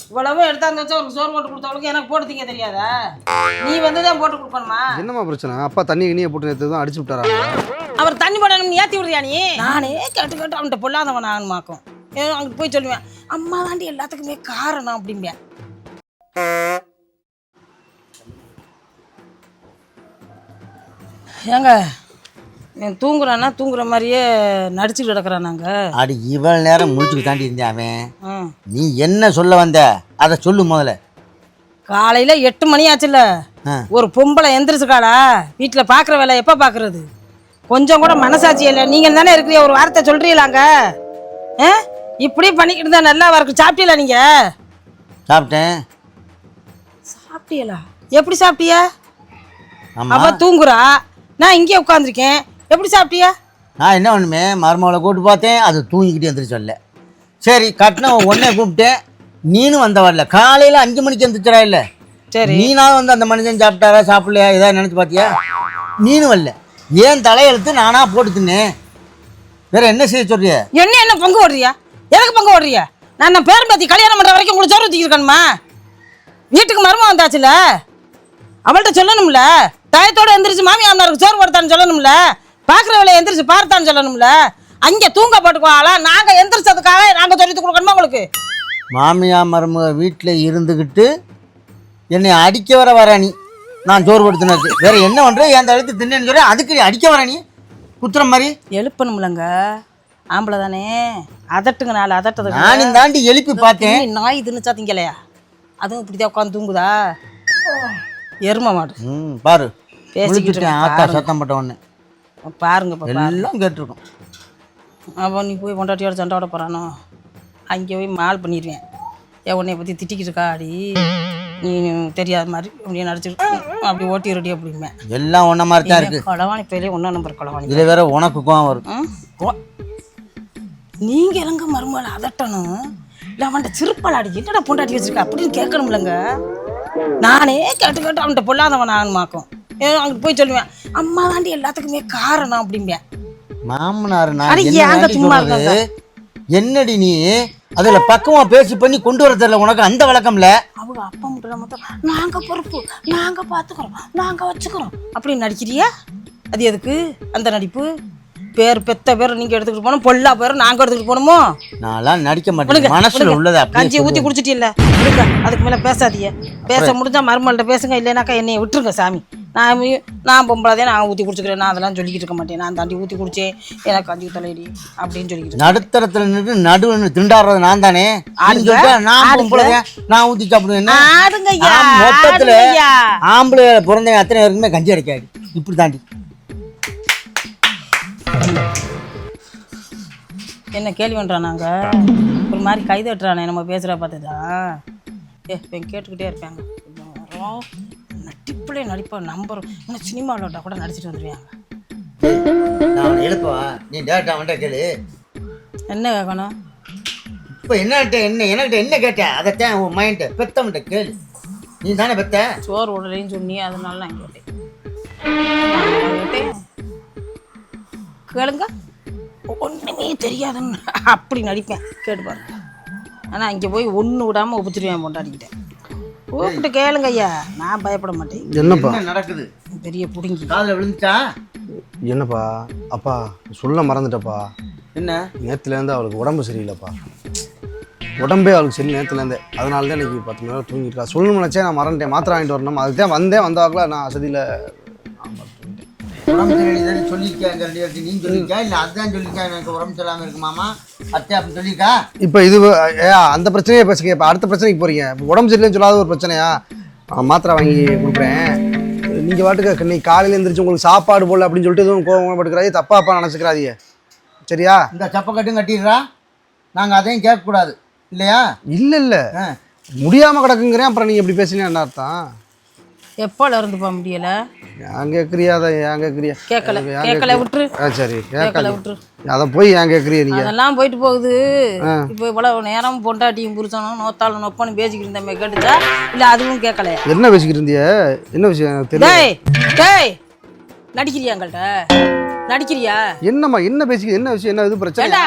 இவ்வளவு எடுத்தாந்து வச்சா ஒரு சோறு போட்டு கொடுத்தவளுக்கு எனக்கு போட்டு திங்க தெரியாதா? நீ வந்து தான் போட்டு கொடுக்கணுமா? என்னம்மா பிரச்சனை? அப்பா தண்ணி கிணியை போட்டு நேற்று தான் அடிச்சு விட்டாரா? அவர் தண்ணி போடணும்னு ஏற்றி விடுறியா நீ? நானே கேட்டு கேட்டு அவன்கிட்ட பொல்லாதவன் ஆகணுமாக்கும். அங்கிட்டு போய் சொல்லுவேன், அம்மா தாண்டி எல்லாத்துக்குமே காரணம் அப்படிம்பேன். ஏங்க தூங்குறான்னா தூங்குற மாதிரியே நடிச்சுட்டு கிடக்குறானாங்க. அடி இவ்வளவு நேரம் முடிச்சுட்டு தாண்டி இருந்தேன் அவன். நீ என்ன சொல்ல வந்த அதை சொல்லு முதல்ல. காலையில 8 மணி ஆச்சுல்ல, ஒரு பொம்பளை எந்திரிச்சுக்காடா வீட்டில் பார்க்குற வேலை எப்போ பார்க்குறது? கொஞ்சம் கூட மனசாட்சி இல்லை. நீங்கள் தானே இருக்கிறீ, ஒரு வார்த்தை சொல்கிறீங்களாங்க? இப்படி பண்ணிக்கிட்டு தான் நல்லா இருக்கு. சாப்பிட்டீங்களா நீங்கள்? சாப்பிட்டேன். சாப்பிட்டீங்களா? எப்படி சாப்பிட்டியா? அவ தூங்குறா, நான் இங்கே உட்காந்துருக்கேன். எப்படி சாப்பிட்டியா? நான் என்ன ஒன்றுமே மருமகளை கூப்பிட்டு பார்த்தேன், அது தூங்கிக்கிட்டு எந்திரிச்சொல்ல. சரி கட்டின உடனே கூப்பிட்டேன், நீனும் வந்த வரல. காலையில் 5 மணிக்கு எந்திரிச்சா இல்லை? சரி, நீனாவது வந்து அந்த மனுஷன் சாப்பிட்டாரா சாப்பிடலையா ஏதாவது நினச்சி பார்த்தியா? நீனும் வரல. ஏன் தலையெழுத்து நானா போட்டு தின்னேன். வேற என்ன செய்ய சொல்றிய? என்ன பங்கு ஓடுறியா? எதுக்கு பங்கு ஓடுறியா? நான் பேரம் பார்த்தி கல்யாணம் பண்ணுற வரைக்கும் உங்களுக்கு சோறு ஊற்றிருக்கணுமா? வீட்டுக்கு மருமம் வந்தாச்சுல, அவள்கிட்ட சொல்லணும்ல. டயத்தோடு எந்திரிச்சு மாமியாருக்கு சோறு போடுத்தான்னு சொல்லணும்ல. பார்க்குற வேலையை எந்திரிச்சு பார்த்தான்னு சொல்லணும்ல. அங்கே தூங்க போட்டுக்குவாங்களா? நாங்கள் எந்திரிச்சதுக்காக நாங்கள் சொல்லி கொடுக்கணுமா உங்களுக்கு? மாமியா மருமக வீட்டில் இருந்துக்கிட்டு என்னை அடிக்க வர நீ. நான் சோறு கொடுத்துனது வேற என்ன பண்ணுறேன்? என் தடுத்து தின்னேன்னு சொல்கிறேன், அதுக்கு அடிக்க வர நீ குத்துற மாதிரி. எழுப்பணும்லங்க, ஆம்பளை தானே. அதட்டுங்க, நாலு அதட்டது. நானும் தாண்டி எழுப்பி பார்த்தேன். நாய் தின்னுச்சா திங்கலையா? அதுவும் இப்படிதான் உட்காந்து தூங்குதா? எரும மாடு பாரு பேசிக்கிட்டு ஆத்தா சத்தம் போட்ட ஒன்று பாருங்க, எல்லாம் கேட்டிருக்கோம். அப்போ நீ போய் கொண்டாட்டியோட சண்டை விட போகிறானோ? அங்கே போய் மால் பண்ணிடுவேன். உன்னைய பற்றி திட்டிக்கிட்டு இருக்கா அடி, நீ தெரியாத மாதிரி அப்படியே நடிச்சுட்டு அப்படி ஓட்டிடுடி அப்படிமே. எல்லாம் ஒன்றை மாதிரி தான் இருக்குது. கொலவாணி பேரே 1 நம்பர் கொலவாணி. இதில் வேற உனக்கு கோவம் வரும். நீங்கள் எங்க மருமகளை அதட்டணும் இல்லை அவன்கிட்ட சிறுப்பால் அடி என்னடா பொண்டாட்டி வச்சிருக்க அப்படின்னு கேட்கணும்லங்க. நானே கேட்டு கேட்டு அவன்கிட்ட பொல்லாதவன் ஆகணுமாக்கும். அங்கிட்டு போய் சொல்லுவேன், அம்மா தாண்டி எல்லாத்துக்குமே காரணம் அப்படிம்பேன். மாமனார் சும்மா என்னடி நீ அதுல பக்கமா பேசி பண்ணி கொண்டு வர தெரியல உனக்கு அந்த வழக்கம்ல. அவங்க அப்பா மட்டும் நாங்க பொறுப்பு, நாங்க பாத்துக்கிறோம், நாங்க வச்சுக்கிறோம் அப்படின்னு நடிக்கிறியா? அது எதுக்கு அந்த நடிப்பு? பேர் பெத்த பேர் நீங்க எடுத்துக்கிட்டு போனோம், பொல்லா பேர் நாங்க எடுத்துக்கிட்டு போகணுமோ? நான்லாம் நடிக்க மாட்டேன், மனசுல உள்ளதா. கஞ்சி ஊத்தி குடிச்சிட்டில்ல, அதுக்கு மேல பேசாதீங்க. பேச முடிஞ்சா மருமகள்கிட்ட பேசுங்க, இல்லைனாக்கா என்னைய விட்டுருங்க சாமி. நான் பொம்பளாதே நான் ஊற்றி குடிச்சுக்கிறேன், நான் அதெல்லாம் சொல்லிக்கிட்டு இருக்க மாட்டேன். நான் தாண்டி ஊற்றி குடிச்சேன், எனக்கு கஞ்சி தலையடி அப்படின்னு சொல்லிக்கிட்டு. நடுத்தரத்துல நின்று நடுவு திண்டாடுறது நான் தானே. நான் பொம்பளையா நான் ஊற்றி சாப்பிடுவேன். மொத்தத்துல ஆம்பளை பிறந்த அத்தனை பேருக்குமே கஞ்சி அடைக்காது. இப்படி தாண்டி என்ன கேள்வி பண்ணுறானாங்க? ஒரு மாதிரி கைதட்டுறானே நம்ம பேசுகிற பார்த்துதான். கேட்டுக்கிட்டே இருப்பாங்க. நடிப்புலே நடிப்பா நம்பர் இன்னும் சினிமாவிலோட கூட நடிச்சிட்டு வந்துடுவாங்க. நான் எழுப்பவா? நீ டேரக்டா அவன்கிட்ட கேளு. என்ன கேட்கணும்? இப்போ என்னட்ட என்ன என்கிட்ட என்ன கேட்டேன் அதைத்தான் உன் மைண்ட் பெத்தவன்கிட்ட கேளு. நீ தானே பெத்த. சோறு உடலைன்னு சொன்னி அதனால நான் கேட்டேன். கேளுங்க, ஒன்றுமே தெரியாதுன்னு அப்படி நடிப்பேன். கேட்டுப்பாரு. ஆனால் இங்கே போய் ஒன்று விடாமல் ஒப்பிச்சிருவேன் பொண்டாடிக்கிட்டேன். கூப்பிட்டு கேளுங்க ஐயா, நான் பயப்பட மாட்டேன். என்னப்பா நடக்குது? பெரிய புடுங்கி காதில் விழுந்துச்சா? என்னப்பா? அப்பா சொல்ல மறந்துட்டப்பா. என்ன? நேற்றுலேருந்து அவளுக்கு உடம்பு சரியில்லைப்பா. உடம்பே அவளுக்கு சரி நேற்றுலேருந்தே. அதனால தான் இன்றைக்கி 10 மணி நேரம் தூங்கிட்டு சொல்லணும்னு நினச்சேன். நான் மறந்துட்டேன், மாத்திரை வாங்கிட்டு வரணும். அதுக்கு தான் வந்தாக்கில் நான் அசதியில் உடம்பு சரியில்லை சொல்லியிருக்கேன். நீ சொல்லியிருக்கா இல்லை அதுதான் சொல்லியிருக்கா எனக்கு உடம்பு சரியில்லாமல் இருக்கு மாமா அத்தை அப்படின்னு சொல்லியிருக்கா? இப்போ இது அந்த பிரச்சனையே பேசுங்க. இப்போ அடுத்த பிரச்சனைக்கு போகிறீங்க. இப்போ உடம்பு சரியில்லைன்னு சொல்லாத ஒரு பிரச்சனையா? மாத்திரை வாங்கி கொடுக்குறேன். நீங்கள் வாட்டுக்கு இன்னைக்கு காலையில் எழுந்திரிச்சு உங்களுக்கு சாப்பாடு போடல அப்படின்னு சொல்லிட்டு எதுவும் கோவம் பட்டுக்கிறாதே, தப்பா நினச்சிக்கிறாதீங்க சரியா? இந்த சப்பக்கட்டும் கட்டிடுறா, நாங்கள் அதையும் கேட்கக்கூடாது இல்லையா? இல்லை முடியாமல் கிடக்குங்கிறேன். அப்புறம் நீங்கள் எப்படி பேசுனீங்க என்ன அர்த்தம்? எப்போல இருந்து போக முடியலை? ஏன் கேட்குறியா? அதை ஏன் கேட்குறியா? கேட்கல விட்டுரு. சரி கேட்கல விட்டுரு. அதை போய் ஏன் கேட்குறியா? நீங்கள் அதெல்லாம் போயிட்டு போகுது. இப்போ இவ்வளவு நேரம் பொண்டாட்டியும் புருஷனும் நோத்தாலும் நொப்பன்னு பேசிக்கிட்டு இருந்தமே கேட்டுச்சா? இல்லை அதுவும் கேட்கலையா? என்ன பேசிக்கிட்டு இருந்திய? என்ன விஷயம் தெரியல. நடிக்கிறியா? எங்கள்கிட்ட நடிக்கிறியா? என்னம்மா என்ன பேசிக்க? என்ன விஷயம்? என்ன இது பிரச்சனை?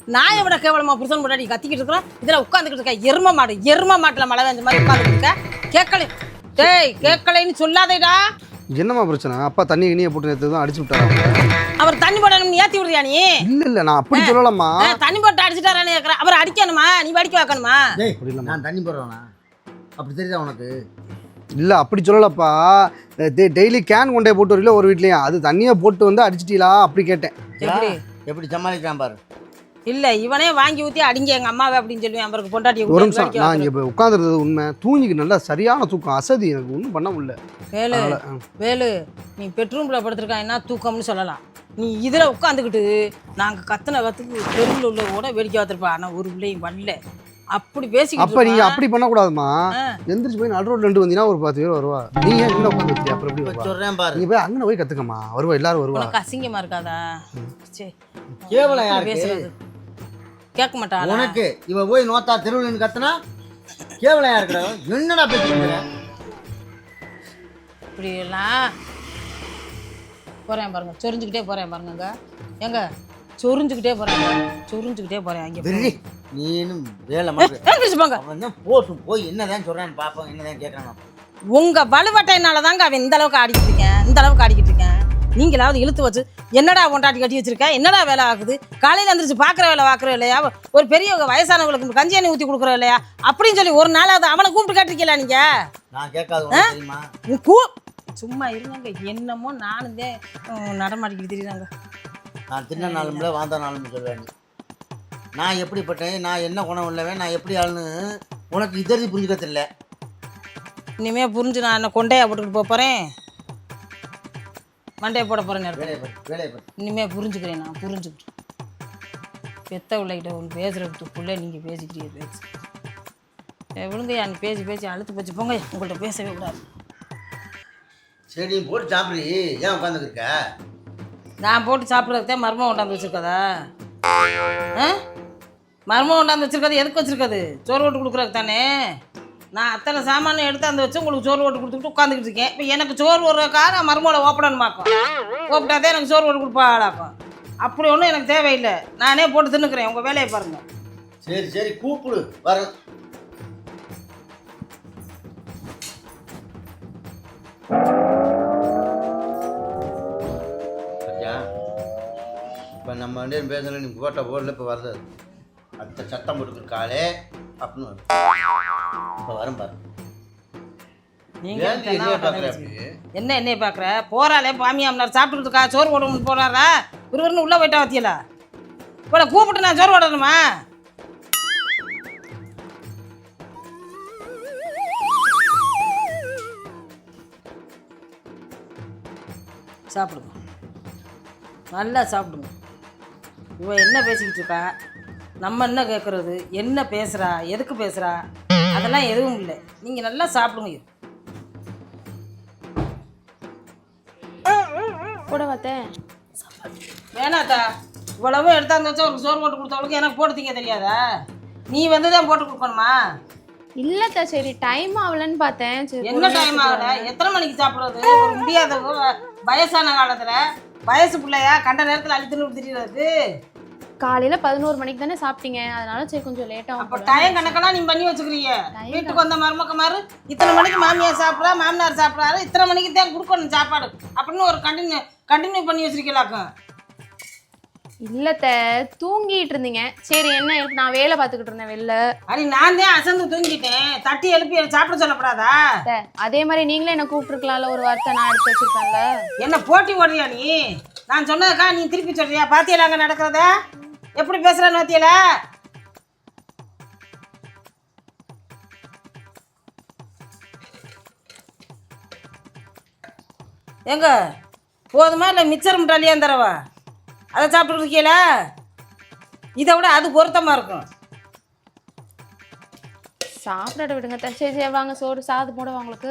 நான் விட கேவலமா புருஷன் முன்னாடி கத்திக்கிட்டு இருக்கிறோம் இதில் உட்காந்துக்கிட்டு இருக்க எரும மாட்டில் மழை பெஞ்ச மாதிரி உட்காந்துக்கிட்டு இருக்க கேட்கலை டேய் கேட்கலைன்னு சொல்லாதேடா. என்னம்மா பிரச்சனை? அப்பா தண்ணி கிணியை போட்டு நேற்று தான் அடிச்சு விட்டாரு. அவர் தண்ணி போடணும்னு ஏற்றி விடுறியா நீ? இல்ல நான் அப்படி சொல்லலாமா. தண்ணி போட்டு அடிச்சுட்டாரான்னு கேட்குறேன். அவர் அடிக்கணுமா நீ வடிக்க வைக்கணுமா? நான் தண்ணி போடுறேனா அப்படி தெரியுதா உனக்கு? இல்லை அப்படி சொல்லலப்பா. டெய்லி கேன் கொண்டே போட்டு வரல ஒரு வீட்லேயும் அது தண்ணியை போட்டு வந்து அடிச்சிட்டீங்களா அப்படி கேட்டேன். எப்படி எப்படி சமாளிக்கிறான் பாரு. இல்லை இவனே வாங்கி ஊற்றி அடிங்க எங்கள் அம்மாவை அப்படின்னு சொல்லுவேன். அவருக்கு பொண்டாட்டி ஒரு நிமிஷம் நான் இங்கே இப்போ உட்காந்துருந்தது உண்மை. தூங்கிக்கு நல்லா சரியான தூக்கம் அசதி எனக்கு ஒன்றும் பண்ண முடியல. வேலு நீ பெட்ரூமில் படுத்துருக்கா என்ன தூக்கம்னு சொல்லலாம். நீ இதில் உட்காந்துக்கிட்டு நாங்கள் கத்துன கத்துக்கு தெருவில் உள்ள கூட வேடிக்கை பார்த்துருப்பா. ஆனால் ஒரு பிள்ளையும் வரல அப்படி பேசிக்கிட்டு. அப்போ நீங்கள் அப்படி பண்ணக்கூடாதுமா. எந்திரிச்சு போய் நடு ரோட்ல வந்துங்கன்னா ஒரு 10 பேர் வருவா. நீங்க என்ன உட்காந்து அப்புறம் எப்படி சொல்றேன் பாரு. நீங்க போய் அங்கே போய் கத்துக்கமா வருவா எல்லாரும் வருவா. உனக்கு அசிங்கமா இருக்காதா? சரி கேவலம் யார் பேசுறது கேட்க மாட்டா உனக்கு? இவ போய் நோத்தா தெருவில் கத்துனா கேவலம் யாருக்குறா? என்னடா பேசுறீங்க? இப்படி எல்லாம் போறேன் பாருங்க சொரிஞ்சுக்கிட்டே போறேன் பாருங்க. எங்க சொரிஞ்சுக்கிட்டே போறேன் அங்கே நீனும் வேலை போங்க போட்டு போய் என்னதான் சொல்றான்னு பாப்போம். என்னதான் கேட்கறான் உங்க வலுவட்டையினால தாங்க அவன் இந்த அளவுக்கு ஆடிக்கிட்டு இருக்கேன். நீங்களாவது இழுத்து வச்சு என்னடா கொண்டாட்டி கட்டி வச்சிருக்க என்னடா வேலை ஆகுது? காலையில் வந்துருச்சு பார்க்குற வேலை இல்லையா? ஒரு பெரிய வயசானவங்களுக்கு கஞ்சி எண்ணெய் ஊற்றி கொடுக்குற இல்லையா அப்படின்னு சொல்லி ஒரு நாளாவது அவனை கூப்பிட்டு கேட்டிருக்கீங்களா நீங்க? நான் கேட்காது சும்மா இருங்க. என்னமோ நானும் தான் நடமாடிக்கிட்டு தெரியுறாங்க. நான் தின்ன நாளும்ல வாழ்ந்த நாளும் சொல்லுவேன். நான் எப்படிப்பட்டேன், நான் என்ன குணம் உள்ளவன், நான் எப்படி ஆளுன்னு உனக்கு இதறி புரிஞ்சுக்க தெரியல. இனிமே புரிஞ்சு நான் என்ன கொண்டையா போட்டுக்கிட்டு போகிறேன் மண்டையை போட போகிறேன். இனிமே புரிஞ்சுக்கிறேன். நான் புரிஞ்சுக்கிட்டேன். பெத்த உள்ளகிட்ட ஒன்று பேசுகிறதுக்குள்ளே நீங்கள் பேசிக்கிட்டே விழுங்கய்யா. நீ பேசி அழுத்து போச்சு போங்க. உங்கள்கிட்ட பேசவே கூடாது. சரி நீ போட்டு சாப்பிடு. ஏன் உட்காந்துருக்க? நான் போட்டு சாப்பிட்றதுக்கே மர்மம் கொண்டாந்து வச்சுருக்கதா? மர்மம் கொண்டாந்து வச்சுருக்கது எதுக்கு வச்சுருக்கது? சோறு ஓட்டு கொடுக்குறதுக்கு தானே. நான் அத்தனை சாமானும் எடுத்து வச்சு உங்களுக்கு சோறு ஓட்டு கொடுத்துக்கிட்டு உட்காந்துக்கிட்டு இருக்கேன். இப்போ எனக்கு சோறு ஓடுறதுக்காக நான் மர்மோட ஓப்படணுமாக்கும். ஓப்பிட்டாதே எனக்கு சோறு ஓட்டு கொடுப்பாளாக்கும். அப்படி ஒன்றும் எனக்கு தேவையில்லை. நானே போட்டு தின்னுக்கிறேன். உங்கள் வேலையை பாருங்கள். சரி கூப்பிடு வர. இப்போ நம்ம வந்து பேசல நீ போட்டா போடல. இப்போ வருது அடுத்த சட்டம் போட்டுருக்காளே அப்படின்னு வரும். இப்போ வரும் பாரு. என்ன என்னைய பார்க்குற? போறாளே மாமியார் சாப்பிட்டுக்கிட்டு இருக்கா. சோறு போடணும்னு போறாரா? ஒருவருன்னு உள்ளே போயிட்டா வத்தியலா? இப்போ கூப்பிட்டு நான் சோறு போடணுமா? சாப்பிடுங்க நல்லா சாப்பிடுங்க. இவன் என்ன பேசிக்கிட்டு இருக்கா? நம்ம என்ன கேட்குறது? என்ன பேசுகிறா? எதுக்கு பேசுகிறா? அதெல்லாம் எதுவும் இல்லை. நீங்கள் நல்லா சாப்பிடுங்க. கூட பார்த்தேன் வேணாத்தா. இவ்வளவும் எடுத்தாந்து வச்சா ஒரு சோறு போட்டு கொடுத்தவளுக்கு எனக்கு போட்டு திங்க தெரியாதா? நீ வந்து தான் போட்டு கொடுக்கணுமா? இல்லத்தா சரி டைம் ஆகலன்னு பார்த்தேன். என்ன டைம் ஆகல? எத்தனை மணிக்கு சாப்பிட்றது? ஒரு முடியாத வயசான காலத்தில் வயசு பிள்ளையா கண்ட நேரத்தில் அழித்துன்னு திரிகிறது. காலையில் 11 மணிக்கு தானே சாப்பிட்டீங்க, அதனால சரி கொஞ்சம் லேட்டாக. அப்போ டைம் கணக்கெல்லாம் நீ பண்ணி வச்சுக்கிறீங்க. வீட்டுக்கு வந்த மருமக்கமாரு இத்தனை மணிக்கு மாமியார் சாப்பிட்றா மாமனார் சாப்பிட்றாரு இத்தனை மணிக்கு தான் கொடுக்கணும் சாப்பாடு அப்படின்னு ஒரு கண்டினியூ பண்ணி வச்சிருக்கீங்களாக்கும். இல்லத்த தூங்கிட்டு இருந்தீங்க. சரி என்ன நான் வேலை பார்த்துக்கிட்டு இருந்தேன் வெளில. அடி நான் தான் அசந்து தூங்கிட்டேன். தட்டி எழுப்பி சாப்பிட சொல்லப்படாதா? அதே மாதிரி நீங்களே என்ன கூப்பிட்டுருக்கலாம்ல. ஒரு வார்த்தை நான் எடுத்து வச்சிருக்கேன்ல. என்ன போட்டி ஓடுறியா நீ? நான் சொன்னதுக்கா நீ திருப்பி சொல்றியா? பாத்தியல அங்கே நடக்கிறத எப்படி பேசுறேன்னு பாத்தியல? எங்க போதுமா இல்லை மிச்சர் முட்டாளியா தரவா? அதை சாப்பிட்டு இருக்கீல? இதை விட அது பொருத்தமாக இருக்கும். சாப்பிட விடுங்க. சரி சரி வாங்க சோறு சாது போடுவா உங்களுக்கு.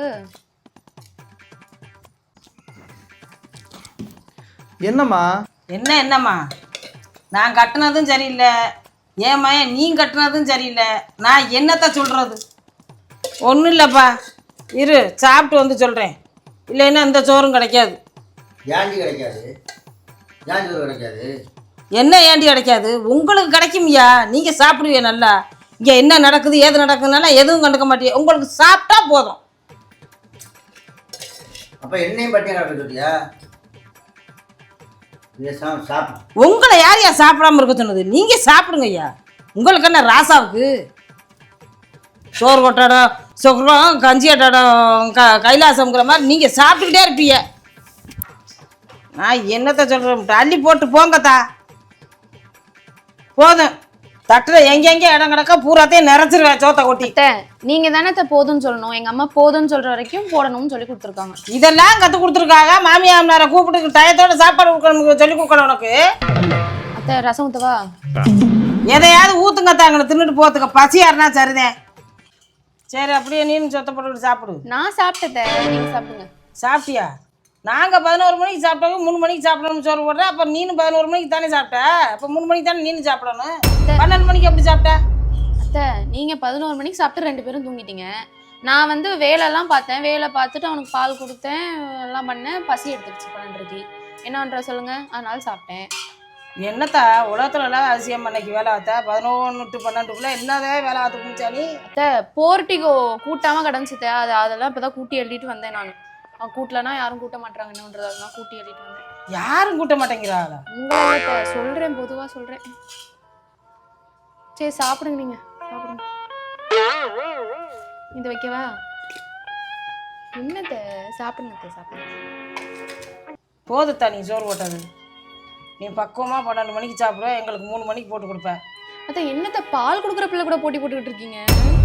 என்னம்மா என்னம்மா? நான் கட்டினதும் சரியில்லை. ஏன் மயன் நீ கட்டினதும் சரியில்லை. நான் என்னத்த சொல்கிறது? ஒன்றும் இல்லைப்பா. இரு சாப்பிட்டு வந்து சொல்கிறேன். இல்லைன்னா இந்த சோறும் கிடைக்காது. ஏஞ்சி கிடைக்காது. ஏன் சோறு கிடைக்காது? என்ன ஏண்டி கிடைக்காது? உங்களுக்கு கிடைக்கும்யா. நீங்கள் சாப்பிடுவீங்க நல்லா. இங்கே என்ன நடக்குது ஏது நடக்குதுனால எதுவும் கண்டுக்க மாட்டீங்க. உங்களுக்கு சாப்பிட்டா போதும். அப்போ என்னையும் பட்டியம் கிடக்க சொல்லியா? சாப்பிடு. உங்களை யார் சாப்பிடாம இருக்க சொன்னது? நீங்கள் சாப்பிடுங்க ஐயா. உங்களுக்கு என்ன ராசாவுக்கு சோறு கொட்டாடம் சொக்கரம் கஞ்சி கட்டாடம் கைலாசம்ங்கிற மாதிரி நீங்கள் சாப்பிட்டுக்கிட்டே இருப்பீங்க. நான் என்னத்தை சொல்கிறேன், அள்ளி போட்டு போங்கத்தா. போதும். தட்டில் எங்கெங்கே இடம் கிடக்க பூராத்தையும் நிறைச்சிருவேன் சோத்தை கொட்டி. நீங்க தானே போதும்னு சொல்லணும். எங்க அம்மா போதும்னு சொல்ற வரைக்கும் போடணும்னு சொல்லி கொடுத்துருக்காங்க. இதெல்லாம் கற்றுக் கொடுத்துருக்காங்க. மாமியார் கூப்பிட்டு டயத்தோட சாப்பாடு கொடுக்கணும் சொல்லி கொடுக்கணும் உனக்கு. அத்தை ரசம் ஊத்தவா? எதையாவது ஊத்துங்க தாங்கன்னு தின்னுட்டு போத்துக்க. பசியாருனா சரிதேன். சரி அப்படியே நீனு சொத்தை போட்டுக்கிட்டு சாப்பிடு. நான் சாப்பிட்டேன், நீங்க சாப்பிடுங்க. சாப்பிட்டியா? நாங்கள் 11 மணிக்கு சாப்பிட்டாங்க, 3 மணிக்கு சாப்பிடணும்னு சோறு போடுறேன். அப்போ நீனும் 11 மணிக்கு தானே சாப்பிட்ட. அப்போ 3 மணிக்கு தானே நீனு சாப்பிடணும். 12 மணிக்கு எப்படி சாப்பிட்ட? அத்தை நீங்க 11 மணிக்கு சாப்பிட்டு 2 பேரும் தூங்கிட்டீங்க. நான் வந்து வேலைலாம் பார்த்தேன். வேலை பார்த்துட்டு அவனுக்கு பால் கொடுத்தேன், எல்லாம் பண்ணேன். பசி எடுத்துக்கிச்சு 12:30. என்ன பண்ணுற சொல்லுங்க, அதனால சாப்பிட்டேன். என்னத்தா உலகத்துலலாம் அதிசயம் அன்னைக்கு வேலை ஆத்தா 11 to 12 என்னதே வேலை ஆத்து குடிச்சானி? அத்தை போர்ட்டிகோ கூட்டாம கிடந்துச்சுத்த. அதெல்லாம் இப்போதான் கூட்டி எழுதிட்டு வந்தேன். நான் அவன் கூட்டலன்னா யாரும் கூட்ட மாட்டாங்க என்னன்றது, அதெல்லாம் கூட்டி எழுதிட்டு வந்தேன். யாரும் கூட்ட மாட்டேங்கிறாங்களா? உங்களை சொல்றேன், பொதுவாக சொல்றேன். சரி சாப்பிடுங்க, நீங்க சாப்பிடுங்க. இது வைக்கவா? என்னத்த சாப்பிடுங்க, சாப்பிடுங்க. போதுத்தா நீ சோறு போட்டது. நீ பக்குவமாக 12 மணிக்கு சாப்பிடுவ, எங்களுக்கு 3 மணிக்கு போட்டு கொடுப்ப. அத்தை என்னத்த பால் கொடுக்குற பிள்ளை கூட போட்டி போட்டுக்கிட்டு இருக்கீங்க?